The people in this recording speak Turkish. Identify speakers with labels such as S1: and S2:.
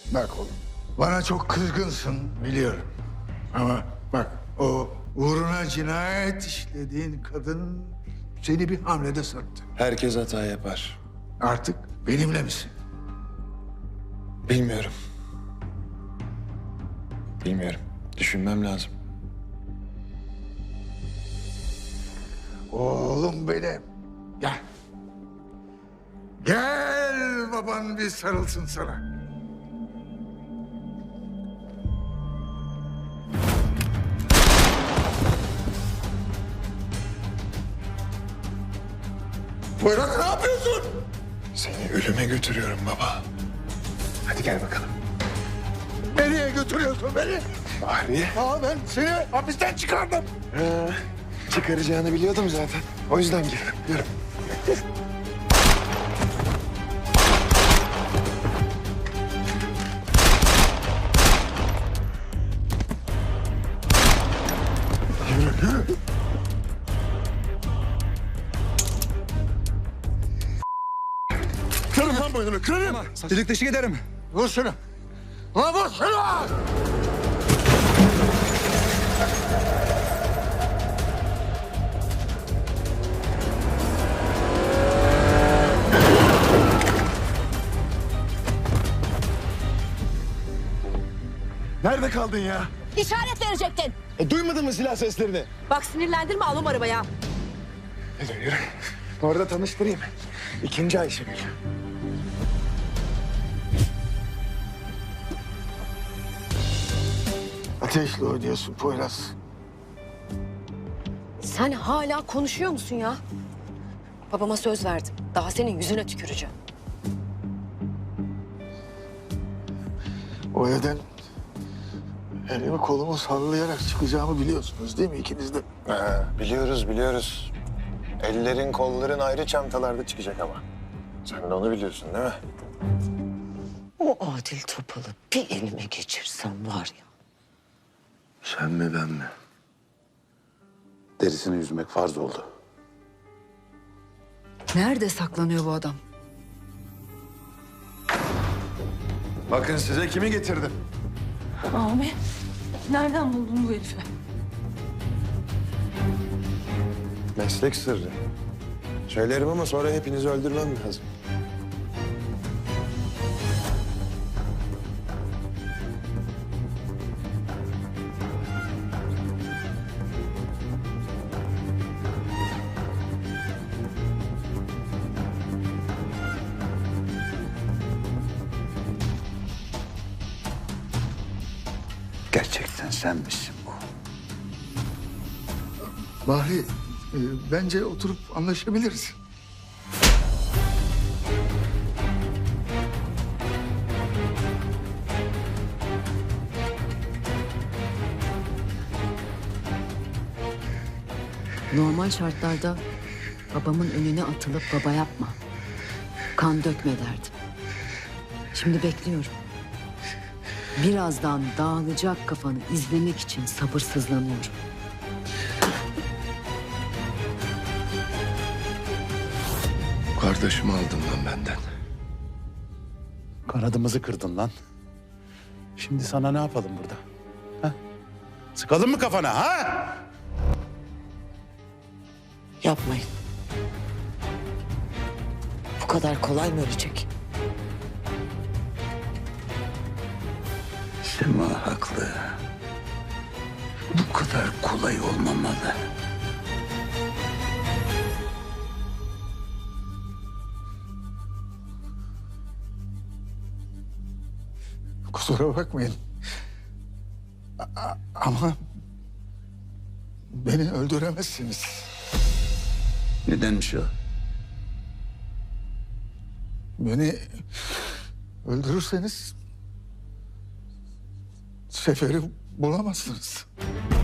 S1: Bak oğlum, bana çok kızgınsın biliyorum. Ama bak, o uğruna cinayet işlediğin kadın seni bir hamlede sattı.
S2: Herkes hata yapar.
S1: Artık benimle misin?
S2: Bilmiyorum. Bilmiyorum. Düşünmem lazım.
S1: Oğlum benim. Gel. Gel baban bir sarılsın sana. Poyraz, ne yapıyorsun?
S2: Seni ölüme götürüyorum baba. Hadi gel bakalım.
S1: Nereye götürüyorsun beni?
S2: Bahriye.
S1: Ben seni hapisten çıkardım.
S2: Çıkaracağını biliyordum zaten. O yüzden girdim. Yürü.
S1: Yürü. Kırarım lan boynunu, kırarım.
S3: Delik deşik ederim.
S1: Vur şunu. Lan vur şunu!
S2: Nerede kaldın ya?
S4: İşaret verecektin.
S2: Duymadın mı silah seslerini?
S4: Bak sinirlendirme, alım arabaya.
S2: Yürü. Orada tanıştırayım. İkinci Ayşegül.
S1: Ateşle oynuyorsun Poyraz.
S4: Sen hala konuşuyor musun ya? Babama söz verdim. Daha senin yüzüne tüküreceğim.
S1: O evden elimi kolumu sallayarak çıkacağımı biliyorsunuz değil mi ikiniz de?
S2: Biliyoruz, biliyoruz. Ellerin, kolların ayrı çantalarda çıkacak ama. Sen de onu biliyorsun değil mi?
S5: O Adil Topal'ı bir elime geçirsem var ya.
S6: Sen mi ben mi? Derisini yüzmek farz oldu.
S7: Nerede saklanıyor bu adam?
S2: Bakın size kimi getirdim.
S7: Abi, nereden buldun bu herifi?
S2: Meslek sırrı. Söylerim ama sonra hepinizi öldürmem lazım.
S6: Gerçekten sen misin bu?
S1: Bahri, bence oturup anlaşabiliriz.
S7: Normal şartlarda babamın önüne atılıp baba yapma, kan dökme derdim. Şimdi bekliyorum. Birazdan dağılacak kafanı izlemek için sabırsızlanıyorum.
S2: Kardeşimi aldın lan benden.
S6: Kanadımızı kırdın lan. Şimdi sana ne yapalım burada? Ha? Sıkalım mı kafana ha?
S5: Yapmayın. Bu kadar kolay mı ölecek?
S6: Sema haklı. Bu kadar kolay olmamalı.
S1: Kusura bakmayın. Ama beni öldüremezsiniz.
S6: Nedenmiş o?
S1: Beni öldürürseniz Sefer'i bulamazsınız.